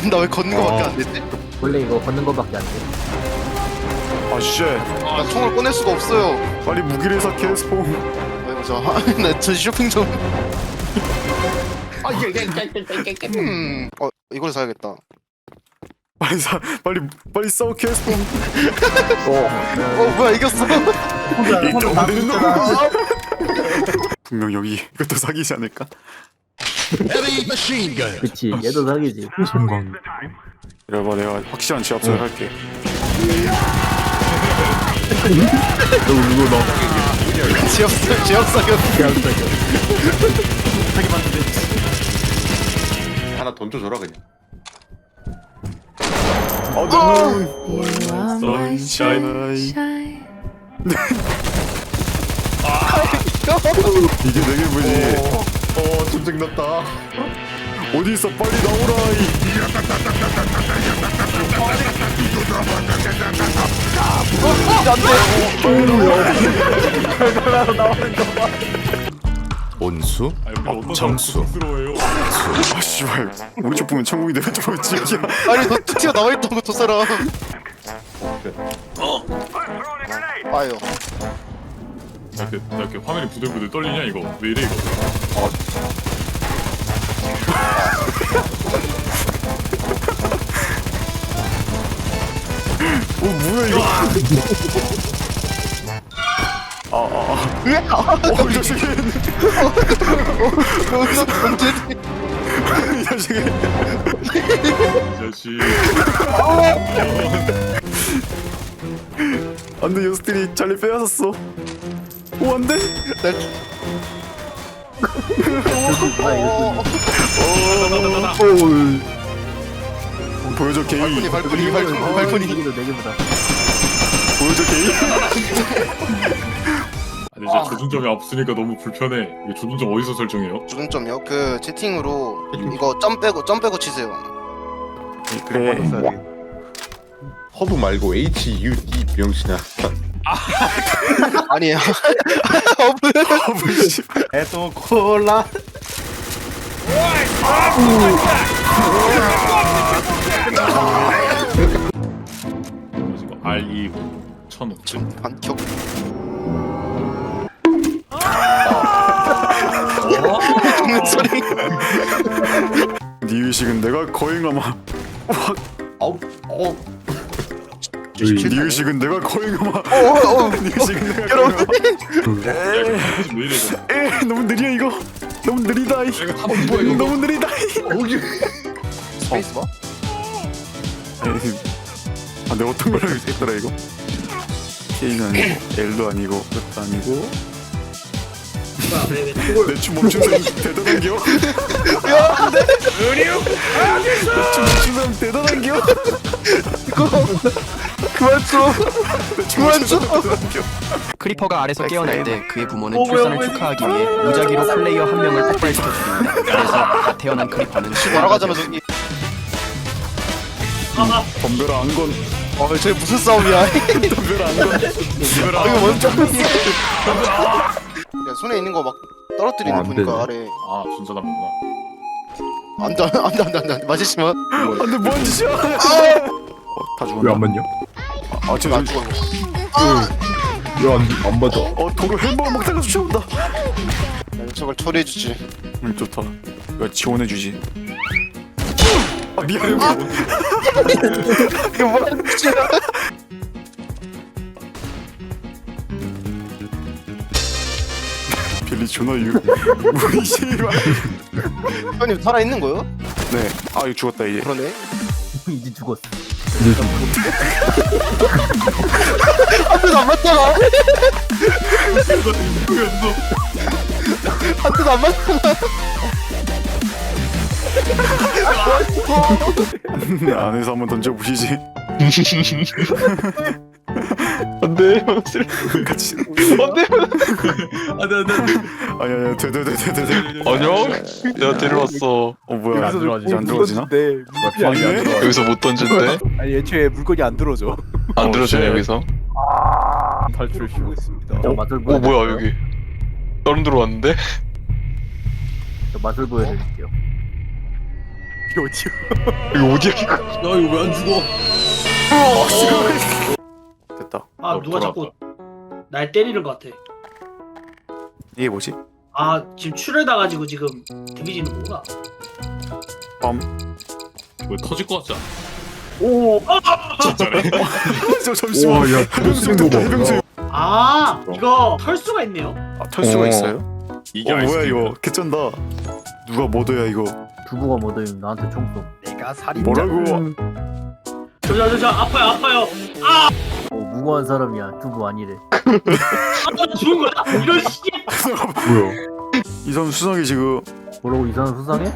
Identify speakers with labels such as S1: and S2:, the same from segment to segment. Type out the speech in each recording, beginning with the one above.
S1: 나 왜 걷는 거밖에 안 되지?
S2: 원래 이거 걷는 거밖에 안 돼.
S3: 아 쉣.
S1: 나 총을 꺼낼 수가 없어요.
S3: 빨리 무기를 사 스폰.
S1: 아이고 나저 쇼핑 좀. 이걸 사야겠다.
S3: 빨리 사. 빨리 싸워 스폰.
S1: 뭐야 이겼어?
S3: 분명 여기 이것도 사기지 않을까?
S2: 그치, 얘도 사기지.
S3: 성광. 이래봐 내가 확실한 지압선을 할게.
S1: 지역 사격.
S4: 하나 던져줘라 그냥.
S3: 너무
S5: sunshine.
S3: 이게 내 기분이.
S4: 전쟁 났다.
S3: 어디 있어 빨리 나오라.
S4: 온수? 정수.
S3: 아 씨발 우리 쪽 보면 천국이 내가 쪽 보면 지옥이야.
S1: 아니 너 뚜티가 나와있던 거 두 사람. 아유.
S5: 나 이렇게 화면이 부들부들 떨리냐 이거 왜 이래 이거.
S3: 뭐야 이거. 이 자식이.
S1: 여기서 언제지?
S3: 이 자식이.
S5: 이 자식.
S3: 안돼 요스트리 잘리 빼앗았어. 오 안돼. 보여줘 게이.
S1: 발코니.
S2: 이기도 4개보다.
S3: 보여줘 게이.
S5: 아니 이제 조준점이 없으니까 너무 불편해. 이게 조준점 어디서 설정해요?
S1: 조준점이요? 그 채팅으로 이거 점 빼고 치세요.
S3: 그래.
S4: 허브 말고 HUD 병신아.
S1: 아니에요.
S6: 에도 콜라.
S5: 이거 R2 1500.
S1: 반격. 죽는 소리.
S3: 네 의식은 내가 거행하마. 네 의식은 내가 거행하마. 네 의식은 내가 거행하마.
S5: 왜 이래 이거.
S3: 에 너무 느려 이거. 너무 느리다.
S5: 이거 한번 뭐야 이거.
S3: 너무 느리다.
S1: 스페이스바?
S3: 아 내가 어떤 걸로 했더라 이거. K는 아니고 L도 아니고 F도 아니고. 내 춤 멈춘 사람 대단한겨. 내춤 멈춘 사람 대단한겨.
S1: 그만 좀. 그만 좀.
S7: 크리퍼가 아래서 깨어날 때 그의 부모는 출산을 축하하기 위해 무작위로 플레이어 한 명을 폭발시켜 줍니다. 그래서 다 태어난 크리퍼는
S1: 날아가자면서 이.
S3: 덤벼라 안건.
S1: 쟤 무슨 싸움이야?
S3: 덤벼라 안건.
S1: 이거 먼저. 야 손에 있는 거 막 떨어뜨리는 거 보니까 아래.
S5: 아 진짜 나쁘구나.
S1: 안돼 맞으시면.
S3: 안돼 뭐한 짓이야. 다 죽었나?
S6: 왜안 맞냐?
S3: 저
S1: 안 죽어.
S6: 왜안 맞아?
S3: 도로 햄버거 먹다가 쫓아온다.
S1: 저걸 처리해주지.
S3: 좋다. 이거 지원해주지. 아 미안해.
S1: 이거 뭐하는 짓이야?
S3: 빌리 존나 우리 씨발.
S1: 형님 살아 있는 거요?
S3: 네. 아 이거 죽었다 이제.
S1: 그러네.
S2: 이제 죽었어.
S1: 한 대도 안 맞잖아. 한 대도 안 맞잖아.
S3: 안에서 한번 던져보시지.
S6: 안돼.
S3: 같이.
S6: 안돼.
S3: 아니야 돼.
S8: 안녕? 야 데려왔어.
S3: 뭐야
S6: 여기서
S3: 안 들어지나? 아니네.
S8: 여기서 못 던진대?
S6: 아니 애초에 물건이 안 들어져.
S8: 안 들어지네
S3: 쉣.
S8: 여기서.
S6: 탈출 시도했습니다.
S2: 저 맛을
S8: 오
S2: 보여.
S8: 뭐야 여기. 다른 데로 왔는데?
S2: 저 맛을 보여드릴게요.
S6: 이거 어디야?
S8: 이거 어디야 이거?
S5: 나 이거 왜 안 죽어?
S3: 됐다.
S9: 아 누가 자꾸 날 때리는 것 같아.
S3: 이게 뭐지?
S9: 아 지금 출혈당가지고 지금 데미지는 거구나.
S5: 왜 터질 것 같지 않아?
S3: 오.
S5: 진짜네.
S3: 저 잠시만. 해병수 됐다. 해병수.
S9: 아 이거 털 수가 있네요.
S3: 털 수가
S8: 어.
S3: 있어요?
S5: 이게
S3: 뭐야
S5: 아이스크림이야.
S3: 이거 개쩐다. 누가 뭐더야 이거?
S2: 두부가 뭐더니 나한테 총 쏘.
S6: 내가 살인.
S3: 뭐라고?
S9: 저 아파요.
S2: 무고한 사람이야. 두부 아니래.
S9: 아 죽은 거야? 이런 씨.
S3: 뭐야? 이 사람 수상해 지금.
S2: 뭐라고 이 사람 수상해?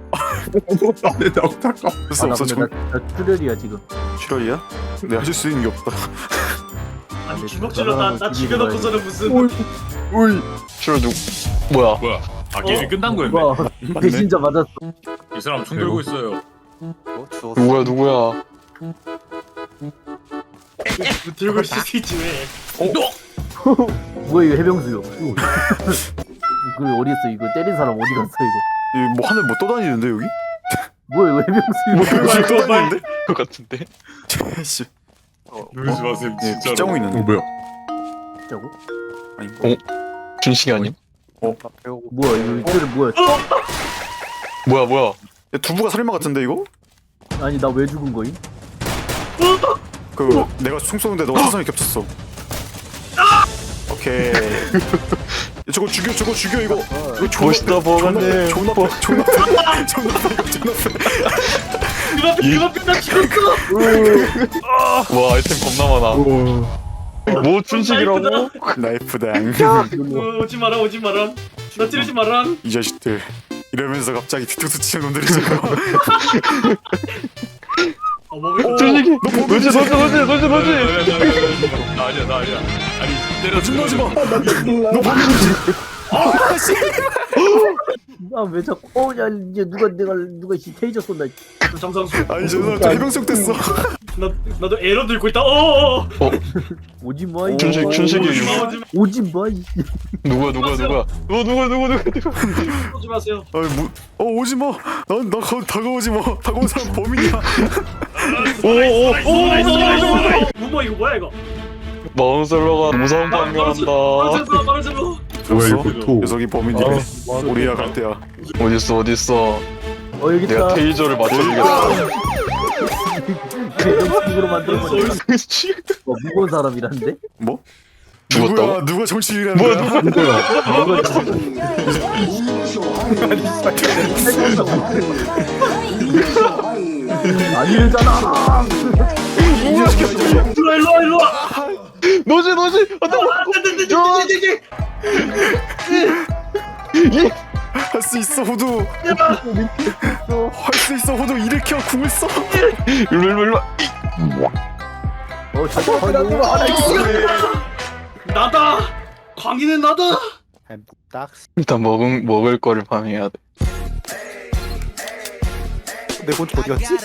S3: 없어 없어
S2: 근데 나 출혈이야 지금.
S3: 출혈이야? 내가 하실 수 있는 게 없다.
S9: 아니 주먹 찔렀다. 나 죽여놓고서는 무슨.
S8: 저 뭐야?
S5: 뭐야? 아 게임이 끝난 거였네.
S2: 와 배신자 맞았어.
S5: 이 사람 총 들고 있어요.
S8: 누구야?
S9: 들고 있을 수 있지 왜?
S2: 뭐야 이거 해병수요. 이거 어디 있어? 이거 때린 사람 어디 갔어 이거?
S3: 뭐 하늘 뭐 떠다니는데 여기?
S2: 뭐야 이거 해병수?
S3: 여기 떠다니는데?
S8: 그 같은데?
S3: 씨.
S5: 누르지 마세요 진짜로.
S3: 빗자고 있는데.
S4: 뭐야?
S2: 진짜고?
S3: 아니.
S8: 준식이 아님?
S2: 뭐야 이거 이틀은 뭐야?
S8: 뭐야?
S3: 야, 두부가 살인마 같은데 이거?
S2: 아니 나 왜 죽은 거임?
S3: 그 내가 총 쏘는데 너가 사선이 겹쳤어. 오케이. 야, 저거 죽여 이거. 이거 존나
S8: 멋있다 버거네.
S3: 존나 패. 존나 패.
S9: 그만 나 죽었어.
S8: 와 아이템 겁나 많아. 뭐 준식이라고?
S3: 나이프당.
S9: 오지 마라. 나 찌르지 마라.
S3: 이 자식들. 이러면서 갑자기 뒤통수 치는 놈들이 지금.
S9: 먹을
S8: 준식이. 너지.
S5: 나 아니야. 아니 때려
S3: 진노하지 마.
S2: 아왜 자꾸 야 이제 누가 테이저 쏜다.
S9: 정상수.
S3: 아니 저 사람 또 해병석 됐어.
S9: 나도 에러 들고 있다.
S2: 오지 마. 이
S8: 준식이
S2: 오지 마. 이
S8: 누구야? 누구?
S9: 오지 마세요.
S3: 아니 뭐? 오지 마. 나 다가오지 마. 다가온 사람 범인이야.
S9: 무모 이거 뭐야 이거?
S8: 마운셀러가 무서운 방해한다.
S9: 마르셀로.
S4: 뭐야 이거 토.
S3: 녀석이 범인이네. 우리야 갈대야.
S8: 어딨어?
S2: 여기
S8: 내가
S2: 있다.
S8: 테이저를 맞춰주겠어.
S2: 해병수로 만들어버려. 무거운 사람이란데?
S3: 뭐?
S8: 죽었다고?
S3: 누가 정치인이라는 거야?
S2: 아니잖아.
S9: 일로 와.
S8: 너지.
S3: 할 수 있어 호두. 할 수 있어 호두. 일으켜 궁을 써.
S8: 일로.
S2: 잠깐만.
S9: 나다. 광희는 나다.
S6: 딱.
S8: 일단 먹을 거를 파밍해야 돼.
S6: 내 곤치 어디 갔지?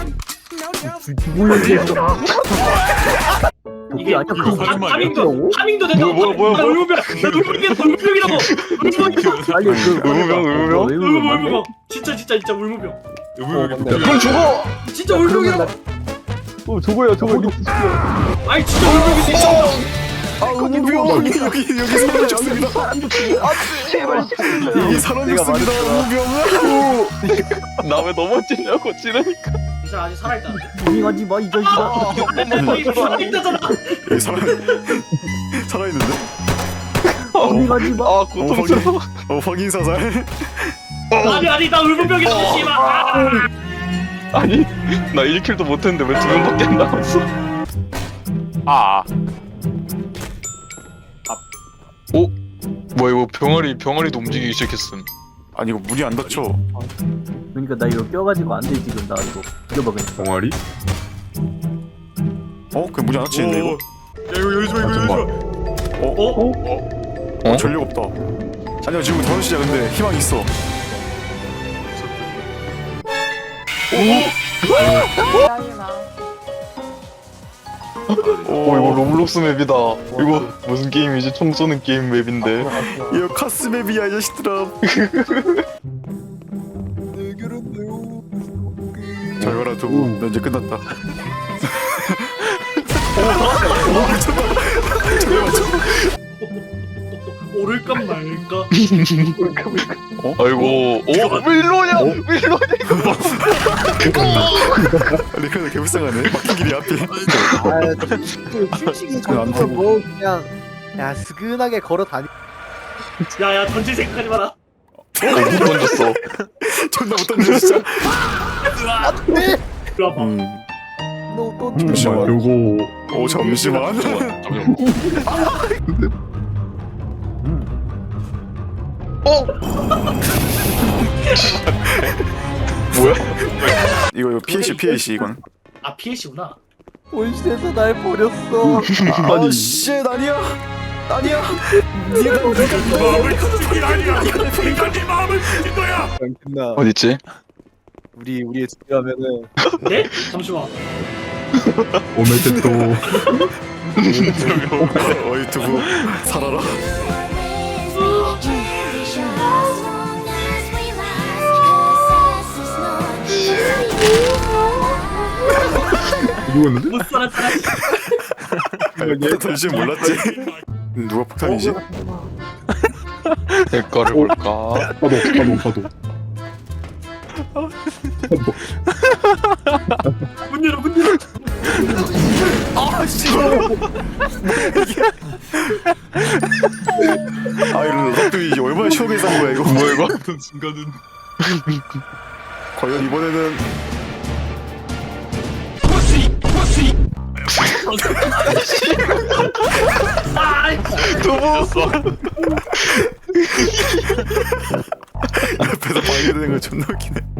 S9: 이게
S2: 아니야 그거
S9: 파밍도 된다고.
S8: 뭐야.
S9: 울무병이라고.
S2: 빨리
S8: 의무병?
S9: 울무병. 진짜 울무병.
S8: 그럼 죽어!
S9: 진짜 울무병이라고.
S2: 저거야
S9: 아니 진짜 울무병이
S3: 우병 여기 사람 죽습니다. 여기 사람 죽습니다. 우병.
S8: 나 왜 넘어지냐고 찌르니까.
S9: 이 사람 아직 살아있다는데?
S2: 조용하지 마이 자식아.
S9: 살아있다잖아.
S3: 여기 살아있는데?
S2: 조용하지 마.
S8: 아 고통스러워.
S3: 확인 사살.
S9: 아니 나 울무병이라고 씨발.
S8: 아니 나 1킬도 못했는데 왜 2명밖에 안 남았어? 오? 뭐야 이거 병아리도 움직이기 시작했음.
S3: 아니 이거 문이 안 닫혀.
S2: 그러니까 나 이거 껴가지고 안 돼 지금. 나 이거 이겨봐 그냥.
S4: 동아리?
S3: 그 문이 안 닫히는데 이거?
S5: 야 이거 열지 마.
S3: 전력 없다. 아니야 지금 5시야 근데 희망이 있어.
S8: 이거 로블록스 맵이다. 이거 무슨 게임이지? 총 쏘는 게임 맵인데.
S3: 이거 카스맵이야 이 자식들아. 잘 가라 두부. 너 이제 끝났다.
S9: 오를까 말까.
S8: 아이고 왜 일로 오냐 왜 일로 오냐
S3: 근데 그래도 개 불쌍하네. 막힌 길이 앞에.
S6: 아, 솔직히 저부터 뭐 그냥 야 스근하게 걸어 다니.
S9: 야야 던질 생각하지 마라.
S8: 못 던졌어
S3: 존나 못 던져 진짜.
S9: 이리 와봐.
S6: 너또
S3: 잠시만.
S5: 요거
S3: 오 잠시만.
S8: 뭐야
S3: 이거 PAC 이건.
S9: 아 PAC구나.
S6: 본실에서 날 버렸어.
S3: 아니 씨 아니야. 아니야. 네가
S5: 마음을 걷는 게 아니야. 인간이 마음을 걷는 거야.
S6: 끝나.
S8: 어딨지
S6: 우리의 집이라면은
S9: 네? 잠시만.
S3: 어이 두부 살아라.
S9: 못 살았잖아.
S3: 폭탄 던지지 몰랐지. 누가 폭탄이지?
S8: 대가를 볼까
S9: 문 열어 문 열어.
S3: 아 이런 럭두이 얼마나 쉬우게 산 거야 이거. 뭐야 이거?
S5: 순간은
S3: 과연 이번에는 옆에서 방해되는 거 존나 웃기네.